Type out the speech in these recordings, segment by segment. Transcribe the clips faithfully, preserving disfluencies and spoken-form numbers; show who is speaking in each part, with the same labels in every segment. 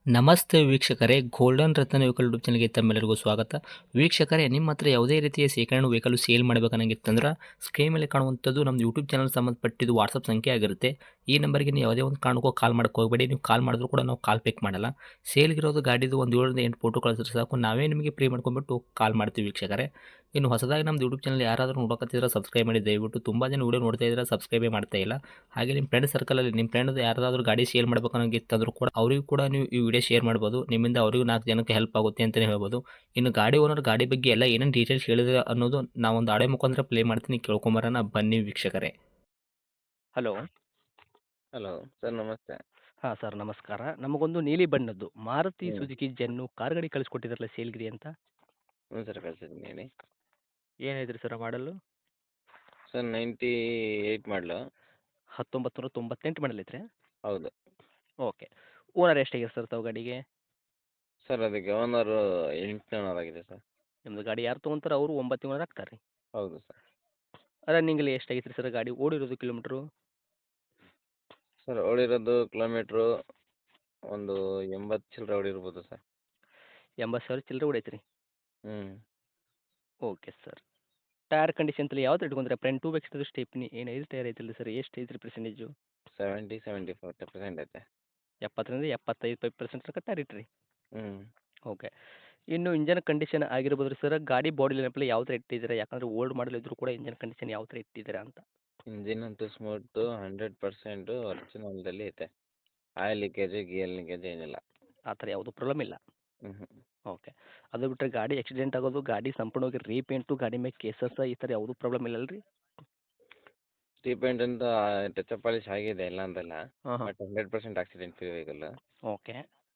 Speaker 1: ನಮಸ್ತೆ ವೀಕ್ಷಕರೇ, ಗೋಲ್ಡನ್ ರತ್ನ vehicle YouTube ಚಾನಲ್‌ಗೆ ತಮ್ಮೆಲ್ಲರಿಗೂ ಸ್ವಾಗತ. ವೀಕ್ಷಕರೇ, ನಿಮ್ಮ ಹತ್ರ ಯಾವುದೇ ರೀತಿಯ ಶೇಖರಣೆ ವೆಹಿಕಲ್ ಸೇಲ್ ಮಾಡಬೇಕನ್ನಂಗಿತ್ತಂದ್ರೆ ಸ್ಕ್ರೀನ್ ಮೇಲೆ ಕಾಣುವಂಥದ್ದು ನಮ್ಮ ಯೂಟ್ಯೂಬ್ ಚಾನಲ್ ಸಂಬಂಧಪಟ್ಟಿದ್ದು ವಾಟ್ಸಪ್ ಸಂಖ್ಯೆ ಆಗಿರುತ್ತೆ. ಈ ನಂಬರ್‌ಗೆ ನೀವು ಯಾವುದೇ ಒಂದು ಕಾರಣಕ್ಕೂ ಕಾಲ್ ಮಾಡಕ್ಕೆ ಹೋಗಬೇಡಿ. ನೀವು ಕಾಲ್ ಮಾಡಿದ್ರು ಕೂಡ ನಾವು ಕಾಲ್ ಪಿಕ್ ಮಾಡಲ್ಲ. ಸೇಲ್ಗಿರೋದು ಗಾಡಿದು ಒಂದು ಏಳರಿಂದ ಎಂಟು ಫೋಟೋ ಕಳಿಸಿದ್ರೆ ಸಾಕು, ನಾವೇ ನಿಮಗೆ ಪ್ರೀ ಮಾಡ್ಕೊಂಡ್ಬಿಟ್ಟು ಕಾಲ್ ಮಾಡ್ತೀವಿ ವೀಕ್ಷಕರೇ. ಇನ್ನು ಹೊಸದಾಗಿ ನಮ್ಮದು ಯೂಟ್ಯೂಬ್ ಚಾನಲ್ ಯಾರಾದರೂ ನೋಡಕತ್ತಿದ್ರೆ ಸಬ್ಸ್ಕ್ರೈಬ್ ಮಾಡಿ ದಯವಿಟ್ಟು. ತುಂಬ ಜನ ವೀಡಿಯೋ ನೋಡ್ತಾ ಇದ್ದಾರೆ, ಸಬ್ಸ್ಕ್ರೈಬೇ ಮಾಡ್ತಾ ಇಲ್ಲ. ಹಾಗೆ ನಿಮ್ಮ ಫ್ರೆಂಡ್ ಸರ್ಕಲಲ್ಲಿ ನಿಮ್ಮ ಫ್ರೆಂಡ್ ಯಾರಾದರೂ ಗಾಡಿ ಸೇಲ್ ಮಾಡ್ಬೇಕನ್ನೋಂಗಿತ್ತಂದ್ರೂ ಕೂಡ ಅವರಿಗೂ ಕೂಡ ನೀವು ಈ ವಿಡಿಯೋ ಶೇರ್ ಮಾಡ್ಬೋದು. ನಿಮ್ಮಿಂದ ಅವರಿಗೂ ನಾಲ್ಕು ಜನಕ್ಕೆ ಹೆಲ್ಪ್ ಆಗುತ್ತೆ ಅಂತಲೇ ಹೇಳ್ಬೋದು. ಇನ್ನು ಗಾಡಿ ಓನರ್ ಗಾಡಿ ಬಗ್ಗೆ ಎಲ್ಲ ಏನೇನು ಡೀಟೇಲ್ಸ್ ಹೇಳಿದ್ರೆ ಅನ್ನೋದು ನಾವೊಂದು ಆಡಿಯೋ ಮುಖಾಂತರ ಪ್ಲೇ ಮಾಡ್ತೀನಿ, ಕೇಳ್ಕೊಂಬರೋಣ ಬನ್ನಿ ವೀಕ್ಷಕರೇ.
Speaker 2: ಹಲೋ.
Speaker 3: ಹಲೋ ಸರ್, ನಮಸ್ತೆ.
Speaker 2: ಹಾಂ ಸರ್, ನಮಸ್ಕಾರ. ನಮಗೊಂದು ನೀಲಿ ಬಣ್ಣದ್ದು ಮಾರುತಿ
Speaker 3: ಹ್ಞೂ
Speaker 2: ಸುಜುಕಿ ಜೆನ್ನು ಕಾರ್ ಗಾಡಿ ಕಳಿಸ್ಕೊಟ್ಟಿದ್ರಲ್ಲ ಸೇಲ್ಗಿರಿ ಅಂತ.
Speaker 3: ಹ್ಞೂ ಸರ್, ಕಳ್ಸಿದ್ದೀನಿ ಹೇಳಿ.
Speaker 2: ಏನಾಯ್ತು ಸರ್ ಮಾಡಲು?
Speaker 3: ಸರ್ ನೈಂಟಿ ಏಯ್ಟ್ ಮಾಡಲು.
Speaker 2: ಹತ್ತೊಂಬತ್ತು ನೂರ ತೊಂಬತ್ತೆಂಟು ಮಾಡಲ್ ಐತ್ರಿ?
Speaker 3: ಹೌದು.
Speaker 2: ಓಕೆ. ಓನರ್ ಎಷ್ಟಾಗಿದೆ ಸರ್ ತಾವು ಗಾಡಿಗೆ?
Speaker 3: ಸರ್ ಅದಕ್ಕೆ ಓನರು ಎಂಟನೇ ಓನರ್ ಆಗಿದೆ ಸರ್.
Speaker 2: ನಿಮ್ಮದು ಗಾಡಿ ಯಾರು ತೊಗೊಂತಾರೆ ಅವರು ಒಂಬತ್ತು ಓನರ್ ಆಗ್ತಾರೆ ರೀ?
Speaker 3: ಹೌದು ಸರ್.
Speaker 2: ರನ್ನಿಂಗಲ್ಲಿ ಎಷ್ಟಾಗೈತೆ ರೀ ಸರ್ ಗಾಡಿ ಓಡಿರೋದು ಕಿಲೋಮೀಟ್ರು?
Speaker 3: ಸರ್ ಓಡಿರೋದು ಕಿಲೋಮೀಟ್ರು ಒಂದು ಎಂಬತ್ತು ಚಿಲ್ಲರೆ ಓಡಿರ್ಬೋದು ಸರ್.
Speaker 2: ಎಂಬತ್ತು ಸಾವಿರ ಚಿಲ್ಲರೆ ಹೊಡೈತೆ ರೀ?
Speaker 3: ಹ್ಞೂ
Speaker 2: ಓಕೆ ಸರ್. ಟೈರ್ ಕಂಡೀಷನ್ ತಲೆ ಯಾವ್ದು ಇಟ್ಕೊಂಡ್ರೆ ಫ್ರಂಟ್ ಟು ಬ್ಯಾಕ್ ಸ್ಟೆಪ್ನಿ ಏನು ಐದು ಟೈರ್ ಐತಿಲ್ಲ ಸರ್? ಎಷ್ಟು ಐತ್ರಿ percentage?
Speaker 3: Seventy seventy four percent ಐತೆ.
Speaker 2: ಎಪ್ಪತ್ತರಿಂದ ಎಪ್ಪತ್ತೈದು ಫೈವ್ ಪರ್ಸೆಂಟ್ ತನಕ ಟೈರ್ ಇಟ್ರಿ?
Speaker 3: ಹ್ಞೂ
Speaker 2: ಓಕೆ. ಇನ್ನು ಇಂಜನ್ ಕಂಡೀಷನ್ ಆಗಿರ್ಬೋದು ರೀ ಸರ್, ಗಾಡಿ ಬಾಡಿ ಲೈನಪ್ಪಲ್ಲಿ ಯಾವ ಥರ ಇಟ್ಟಿದ್ದೀರಾ? ಯಾಕಂದರೆ ಓಲ್ಡ್ ಮಾಡಲ್ ಇದ್ರೂ ಕೂಡ ಇಂಜನ್ ಕಂಡೀಷನ್ ಯಾವ ಥರ ಇಟ್ಟಿದ್ದೀರಾ ಅಂತ?
Speaker 3: ಇಂಜಿನ್ ಅಂತೂ ಸ್ಮೂತು ಹಂಡ್ರೆಡ್ ಪರ್ಸೆಂಟು ಒರಿಜಿನಲ್ದಲ್ಲಿ ಐತೆ. ಆಯಿಲ್ ಲೀಕೇಜು ಗಿಯರ್ ಲೀಕೇಜ್ ಏನಿಲ್ಲ.
Speaker 2: ಆ ಥರ ಯಾವುದೂ ಪ್ರಾಬ್ಲಮ್ ಇಲ್ಲ?
Speaker 3: ಹ್ಞೂ ಹ್ಞೂ
Speaker 2: ಓಕೆ. ಅದು ಬಿಟ್ಟರೆ ಗಾಡಿ ಆಕ್ಸಿಡೆಂಟ್ ಆಗೋದು, ಗಾಡಿ ಸಂಪೂರ್ಣವಾಗಿ ರೀಪೇಂಟು, ಗಾಡಿ ಮೇಲೆ ಕೇಸಸ್ ಈ ಥರ ಯಾವುದೂ ಪ್ರಾಬ್ಲಮ್ ಇಲ್ಲಲ್ಲ ರೀ?
Speaker 3: ರೀಪೇಂಟ್ ಅಂತ ಟಚ್ ಅಪ್ ಪಾಲಿಶ್ ಆಗಿದೆ, ಇಲ್ಲ ಅಂತಲ್ಲ.
Speaker 2: ಹಾಂ ಹಾಂ.
Speaker 3: But hundred percent accident free vehicle.
Speaker 2: Okay.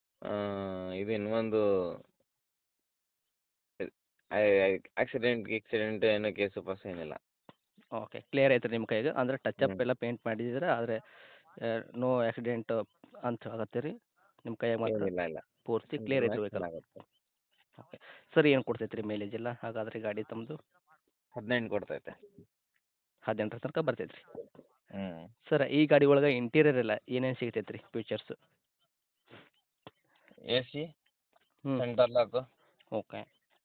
Speaker 3: ಇದು ಇನ್ನೊಂದು ಆಕ್ಸಿಡೆಂಟ್ ಗಿಕ್ಸಿಡೆಂಟ್ ಏನೋ ಕೇಸು ಪಾಸು ಏನಿಲ್ಲ.
Speaker 2: ಓಕೆ. ಕ್ಲಿಯರ್ ಐತೆ ನಿಮ್ಮ ಕೈಗೆ? ಅಂದರೆ ಟಚ್
Speaker 3: ಹ್ಞೂ
Speaker 2: ಅಪ್ ಎಲ್ಲ ಪೇಂಟ್ ಮಾಡಿದ್ದೀರಾ, ಆದರೆ ನೋ ಆಕ್ಸಿಡೆಂಟ್ ಅಂತ ಆಗತ್ತೆ ರೀ ನಿಮ್ಮ ಕೈಯಾಗ ಮಾತ್ರ?
Speaker 3: ಏನಿಲ್ಲ ಇಲ್ಲ.
Speaker 2: ಪೂರ್ತಿ ಕ್ಲಿಯರ್ ಐತೆ ವೆಹಿಕಲ್?
Speaker 3: ಚೆನ್ನಾಗತ್ತೆ.
Speaker 2: ಓಕೆ. ಸರ್ ಏನು ಕೊಡ್ತೈತೆ ರೀ ಮೈಲೇಜ್ ಎಲ್ಲ ಹಾಗಾದರೆ ಗಾಡಿ ತಮ್ಮದು?
Speaker 3: ಹದಿನೆಂಟು ಕೊಡ್ತೈತೆ.
Speaker 2: ಹದಿನೆಂಟರ ತನಕ ಬರ್ತೈತೆ ರೀ?
Speaker 3: ಹ್ಞೂ
Speaker 2: ಸರ್ ಈ ಗಾಡಿ ಒಳಗೆ ಇಂಟೀರಿಯರ್ ಎಲ್ಲ ಏನೇನು ಸಿಗ್ತೈತೆ ರೀ ಫೀಚರ್ಸು?
Speaker 3: ಎ ಸಿ,
Speaker 2: ಹ್ಞೂ.
Speaker 3: Centre lock.
Speaker 2: ಓಕೆ.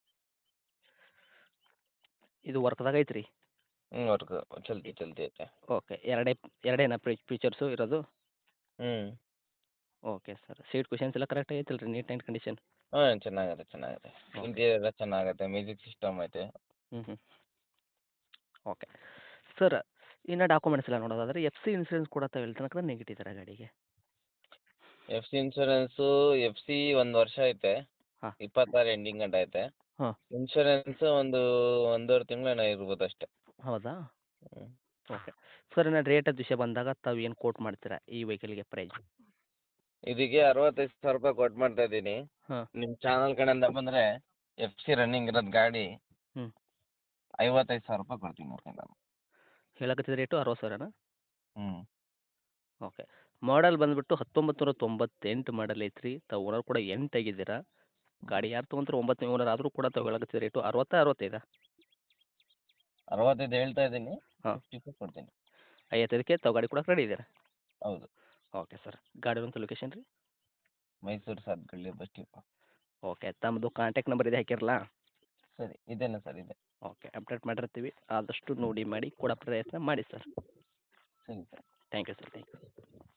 Speaker 2: ಇದು ವರ್ಕ್ದಾಗ ಐತೆ ರೀ?
Speaker 3: ಹ್ಞೂ ವರ್ಕ್ ಚಲ್ತಿ ಚಲ್ತಿ ಐತೆ.
Speaker 2: ಓಕೆ. ಎರಡೇ ಎರಡೇನಾ ಫೀಚರ್ಸು ಇರೋದು?
Speaker 3: ಹ್ಞೂ
Speaker 2: ಓಕೆ ಸರ್. ಸೀಟ್ ಕುಷನ್ಸ್ ಎಲ್ಲ ಕರೆಕ್ಟ್ ಐತಲ್ಲ ರೀ, ನೀಟ್ ಆ್ಯಂಡ್ ಕಂಡೀಷನ್?
Speaker 3: ಹಾಂ ಚೆನ್ನಾಗತ್ತೆ ಚೆನ್ನಾಗತ್ತೆ.
Speaker 2: ಓಕೆ.
Speaker 3: ಇಂಟೀರಿಯರ್ ಎಲ್ಲ ಚೆನ್ನಾಗತ್ತೆ, ಮ್ಯೂಸಿಕ್ ಸಿಸ್ಟಮ್ ಐತೆ.
Speaker 2: ಹ್ಞೂ ಹ್ಞೂ. ಓಕೆ. ಸರ್ ಇನ್ನು ಡಾಕ್ಯುಮೆಂಟ್ಸ್ ಎಲ್ಲ ನೋಡೋದಾದ್ರೆ ಎಫ್ ಸಿ ಇನ್ಸೂರೆನ್ಸ್ ಕೂಡ ತಾವು ಎಲ್ಲಿ ತನಕ ನೆಗೆಟಿದ್ದಾರೆ ಗಾಡಿಗೆ?
Speaker 3: F C insurance F C ಒಂದು ವರ್ಷ ಐತೆ.
Speaker 2: ಹಾಂ.
Speaker 3: ಇಪ್ಪತ್ತಾರು ಎಂಡಿಂಗ್ ಗಂಟ ಐತೆ.
Speaker 2: ಹಾಂ.
Speaker 3: ಇನ್ಶೂರೆನ್ಸ್ ಒಂದು ಒಂದೂವರೆ ತಿಂಗಳೇನೋ ಇರ್ಬೋದು ಅಷ್ಟೇ.
Speaker 2: ಹೌದಾ?
Speaker 3: ಹ್ಞೂ
Speaker 2: ಓಕೆ. ಸರ್ ಇನ್ನು ರೇಟದ ವಿಷಯ ಬಂದಾಗ ತಾವು ಏನು ಕೋಟ್ ಮಾಡ್ತೀರಾ ಈ ವೆಹಿಕಲ್ಗೆ ಪ್ರೈಸ್?
Speaker 3: ಇದಕ್ಕೆ ಅರವತ್ತೈದು ಸಾವಿರ ರೂಪಾಯಿ ಕೊಟ್ಟು ಮಾಡ್ತಾ ಇದ್ದೀನಿ.
Speaker 2: ಹಾಂ.
Speaker 3: ನಿಮ್ಮ ಚಾನಲ್ ಕಡೆಯಿಂದ ಬಂದರೆ ಎಫ್ ಸಿ ರನ್ನಿಂಗ್ ಇರೋದು ಗಾಡಿ
Speaker 2: ಹ್ಞೂ.
Speaker 3: ಐವತ್ತೈದು ಸಾವಿರ ರೂಪಾಯಿ ಕೊಡ್ತೀನಿ ಮತ್ತೆ ನಾನು.
Speaker 2: ಹೇಳಕತ್ತಿದ ರೇಟು ಅರವತ್ತು ಸಾವಿರನಾ?
Speaker 3: ಹ್ಞೂ
Speaker 2: ಓಕೆ. ಮಾಡಲ್ ಬಂದುಬಿಟ್ಟು ಹತ್ತೊಂಬತ್ತು ನೂರ ತೊಂಬತ್ತೆಂಟು ಮಾಡಲ್ ಐತ್ರಿ. ತಾವು ಓನರ್ ಕೂಡ ಎಂಟು ಆಗಿದ್ದೀರಾ. ಗಾಡಿ ಯಾರು ತೊಗೊಂತಾರೆ ಒಂಬತ್ತನೇ ಓನರ್ ಆದರೂ ಕೂಡ ತಾವು ಹೇಳಕತ್ತಿದ ರೇಟು ಅರವತ್ತಾ ಅರವತ್ತೈದಾ?
Speaker 3: ಅರವತ್ತೈದು ಹೇಳ್ತಾ ಇದ್ದೀನಿ,
Speaker 2: ಹಾಂ.
Speaker 3: ಫಿಫ್ಟಿ ಫೈವ್ ಕೊಡ್ತೀನಿ.
Speaker 2: ಐವತ್ತೈದಕ್ಕೆ ತಾವು ಗಾಡಿ ಕೊಡಕ್ಕೆ ರೆಡಿ ಇದ್ದೀರಾ?
Speaker 3: ಹೌದು.
Speaker 2: Okay sir. ಗಾಡಿ ಒಂದು ಲೊಕೇಶನ್ ರೀ?
Speaker 3: Mysuru Satagalli bus depot.
Speaker 2: Okay. ತಮ್ಮದು ಕಾಂಟ್ಯಾಕ್ಟ್ ನಂಬರ್ ಇದೆ ಹಾಕಿರಲಾ?
Speaker 3: ಸರಿ, ಇದೇನಾ ಸರ್ ಇದೆ.
Speaker 2: ಓಕೆ. ಅಪ್ಡೇಟ್ ಮಾಡಿರ್ತೀವಿ. ಆದಷ್ಟು ನೋಡಿ ಮಾಡಿ ಕೊಡೋ ಪ್ರಯತ್ನ ಮಾಡಿ ಸರ್.
Speaker 3: ಸರಿ sir.
Speaker 2: Thank you sir. Thank you.